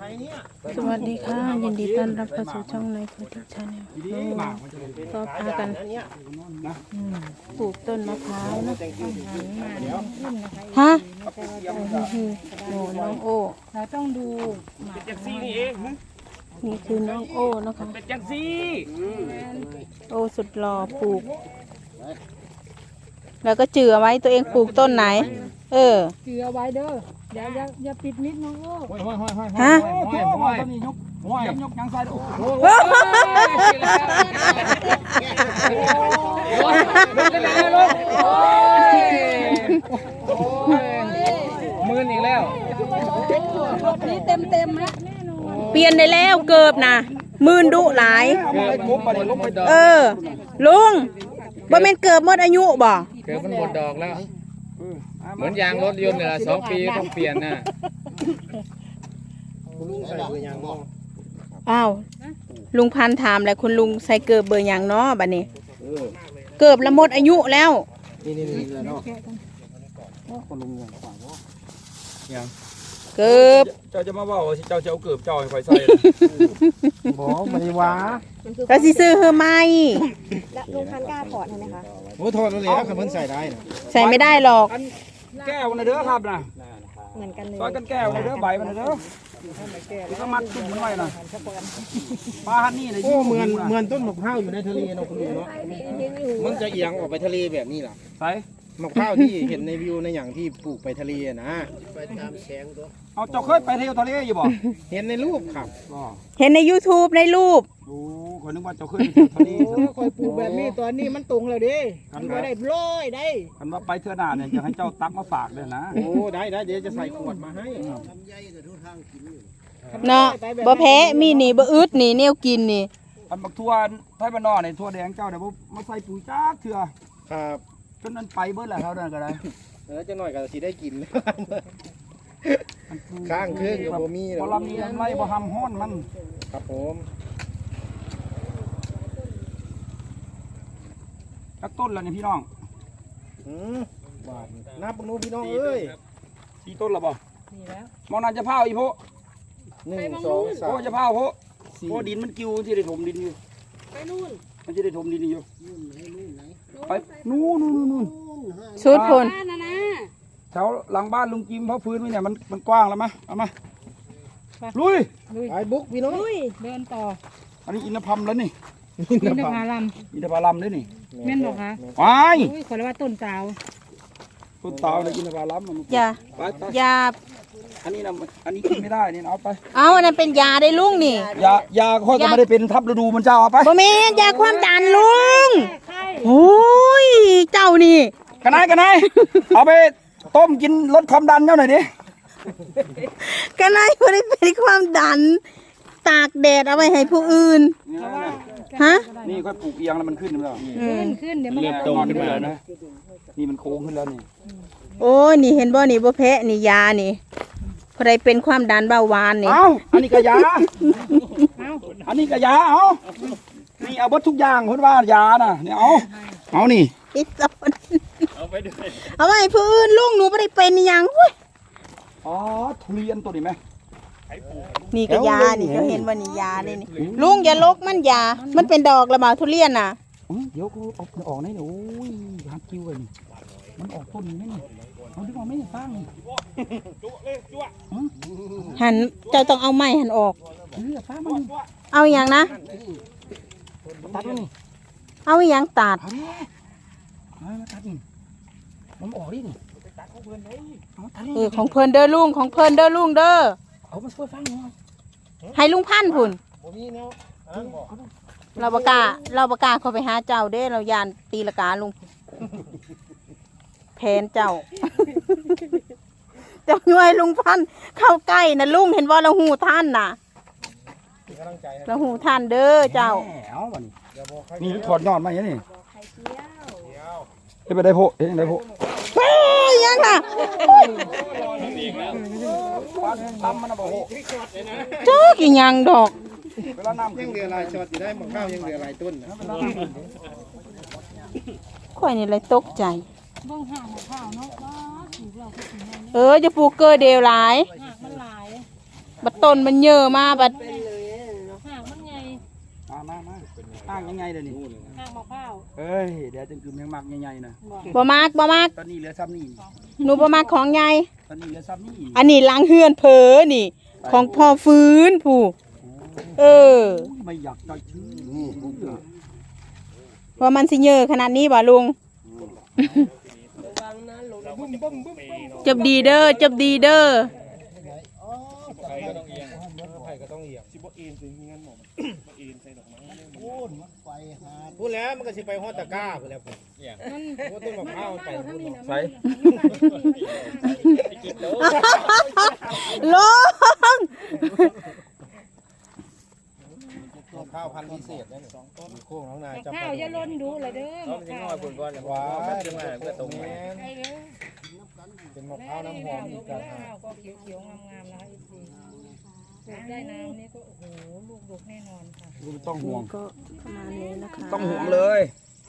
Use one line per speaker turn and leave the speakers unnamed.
สวัสดีค่ะยินดีต้อนรับเข้าสู่ช่องในพุทธิชาแนลก็พากันปลูกต้นมะพร้าวนะฮะโอ้น้องโอ้เราต้องดูเป็นจังซี่นี่เองนี่คือน้องโอ้นะคะเป็นจังซี่โอ้สุดหล่อปลูกแล้วก็จือไว้ตัวเองปลูกต้นไหน
จือไว้เด้ออย่าปิดมิดน้องโอ้
ฮะ
ยกยังใส่โอ้โหมืออีกแล้ว
นี่เต็มนะ
เปลี่ยนได้แล้วเกือบนะมืนดุหลายลุงบ่แม่นเกือบหมดอายุบ่
เกือบมันหมดดอกแล้วเหมือนยางรถยนต์เนี่ย2 ปีต้องเปลี่ยนนะ
อ้าวลุงพันถามแล้วคุณลุงใส่เกือบเบอร์อย่างเนาะบัดนี้เกือบละหมดอายุแล้ว
นี่เนาะคุณลุงอย่าง
เกือบ
เจ้าจะมาว่าเจ้าจะเอาเกือบเจ้าให้ไฟใส่บ่ไม่ได้ว่า
ก็สิซื้อเฮอไหม
แล้วลุงพันกล้าถอดใช่ไหมคะ
โอ้ถอดเลยครับมันใส่ได้นะ
ใส่ไม่ได้หรอก
แก้วนะเด้อครับนะ
เหมือนกันเลย
ซอยกันแก้วนะเด้อใบมันนะเด้อก็มัดจุ่มมันไว้นะปลาฮันนี่เลย
เหมือนต้นมะพร้าวอยู่ในทะเลเนาะคุณลุงเนาะมันจะเอียงออกไปทะเลแบบนี้ล่ะ
ใส่
มะพร้าวที่เห็นในวิวในอย่างที่ปลูกไปทะเลนะไปตามแสงตัว
เอาเจ้าเคยไปเที่ยวทะเลอยู่บ่
เห็นในรูปครับ
เห็นใน YouTube ในรูป
โอ้คนนึกว่าเจ้าเคยไปเที่ยวทะเล
คอยปลูกแบบนี้ตอนนี้มันตรงแล้วดิมันก็ได้ร้อยได้
กันว่าไปเทื่อหน้าเนี่ยจะให้เจ้าตักมาฝากเลยนะ
โอ้ได้เดี๋ยวจะใส่ขวดมาให้
เนาะบ่แพ้มีนี่บ่อึดนี่แนวกินนี่
อันบักทั่วไทยบ้านนอกนี่ทั่วแดงเจ้าเดี๋ยวมาใส่ปุ๋ยจักเถื่อ
ครับ
จนนั้นไปเบิดแล้วเขาเดินก็ได้
จะหน่อยก็สิได้กินข้างเครื่องกับบ่มี
บ่ลำนี้ไรบ่ทำห้อนมัน
ครับผม
จักต้นแล้วนี่พี่น้อง
นับปนูพี่น้องเอ้ย
4 ต้นแล้วบ่
นี่แล้ว
มองน่าจะเผาอีโพ
1 2 3
โอ้จะเผาโพโอ้ดินมันกิ้วที่ได้ถมดินอยู่
ไปนู่น
มันจะได้ถมดินอยู่ไปนู่น
ชุดพล
แถวหลังบ้านลุงจิมเขาฟื้นไว้เนี่ยมันกว้างแล้วมั้ยเอามาลุย
ไอ้บุ๊กพี่น้อง
เดินต่อ
อันนี้อินทผลัมแล้วนี่
อินทผลัม
ด้วยนี่
แม่นบอกคะ
ไป
ขอเรียกว่าต้นเตา
เลยอินทผลัม
ยา
อันนี้นะอันนี้กินไม่ได้นี่เอาไป
เอาอันนั้นเป็นยาได้ลุงนี่
ยาค่อยก็ไม่ได้เป็นทับฤดูมันเจ้าเอาไป
บ่แม่นยาความดันลุงโอ้ยเจ้านี่
กันไหนเอาไปต้มกินลดความดันเจ้าหน่อยดิ
กันไหนบ่ได้เป็นความดันตากแดดเอาไว้ให้ผู้อื่นฮะ
นี่ค่อยปลูกเอียงแล้วมันขึ้นแล้ว
ขึ้นเดี๋ยวมัน
เริ่มโตขึ้นมาแล้วนะนี่มันโค้งขึ้นแล้วนี่
โอ้ยนี่เห็นบ่นี่บ่แพ้นี่ยานี่พอได้เป็นความดันเบาหวานนี่
อันนี้ก็ยาอันนี้ก็ยานี่เอาบดทุกอย่างเพิ่นว่ายาน่ะนี่เอานี่
อีสอนเอาไปด้วยเอาไว้ผู้อื่นลุงหนูบ่ได้เป็นหยังเว้ย
ทุเรียนตัวนี้มั้ย
นี่ก็ยานี่ก็เห็นว่านี่ยานี่ลุงอย่าลกมันยามันเป็นดอกละบ่ทุเรียนน่ะ
เดี๋ยวกูเอาออกได้โอ้ยหักกิ้วเลยนี่มันออกต้นนี่นี่เอาดึงออกไม่ฟัง
หันเจ้าต้องเอาไม้หันออกเอาอย่างนะ
ตัดนี่
เอาอย่างตัด
ตัดนี่มันออกดิ
ของเพิ่นเด้อลุงของเพิ่นเด้อลุงเด้อ
เอามาช่วยฟังหน่อย
ให้ลุงพันธุ์พุ่นเราประกาศเขาไปหาเจ้าเด้เรายานตีละกาลุงแผนเจ้าย่วยลุงพันเข้าใกล้นะลุงเห็นว่าเราหูท่านน่ะเราหูท่านเด้อเจ้า
นี่ถอดยอดมาอย่างนี้ไปได้โพได้โพ
ยังน่ะ
ทำมันนะโพ
เจ้ากี่ยังดอก
ยังเหลือหลายช็อตอยู่ได้มะพร้าวยังเหลือหลายต้น
ข่อยนี่เลยตกใจ
เบิ่งห่างข้าวเนาะบ้าถูกเราก็ถึง
จะปลูกเกอร์เดียวหลาย
มันหลาย
บัดต้นมันเยอะมาบัด
ห่างมันไง
มาอ้างยังไงเดี๋ยวนี้
ห่างมะพร้าว
เอ้ยเดี๋ยวจึงคือแมงมักใหญ่ๆนะ
บ่มากบ่มาก
ตอนนี้เหลือซ้ำนี่
หนูบ่มากของใหญ่
ตอนนี้เหลือซ้ำนี่
อันนี้ล้างเฮือนเผลอนี่ ของพ่อฟื้นผู้เออ
ไม่อยากได้ชื่อ
ว่ามันสิเยอะขนาดนี้บ่ลุงจบดีเด้อจบดีเด้อ
พูดแล้วมันก็สิไปฮอดตะกร้าพูดแล้วพูดว่าต้นมะพร้าวไปพูด
ใส่
ลง
มะพร้าวพันธุ์พิเศษนั่นมีโค้งน้องนายจำ
ข้าวอย่าล้นดูเลยเด้อมะพร้าว
ว้าเพื่อตรงนี้เป็นมะพร้าวน้ำหอมอีกต่างหาก
ก็เขียวๆงามๆนะคะอีกทีปลูกได้น้ำนี่ก็โอ้โหลูกดกแน่นอนค่ะ
ไม่ต้องห่วง
ก็ประมาณนี้นะคะ
ต้องห่วงเลย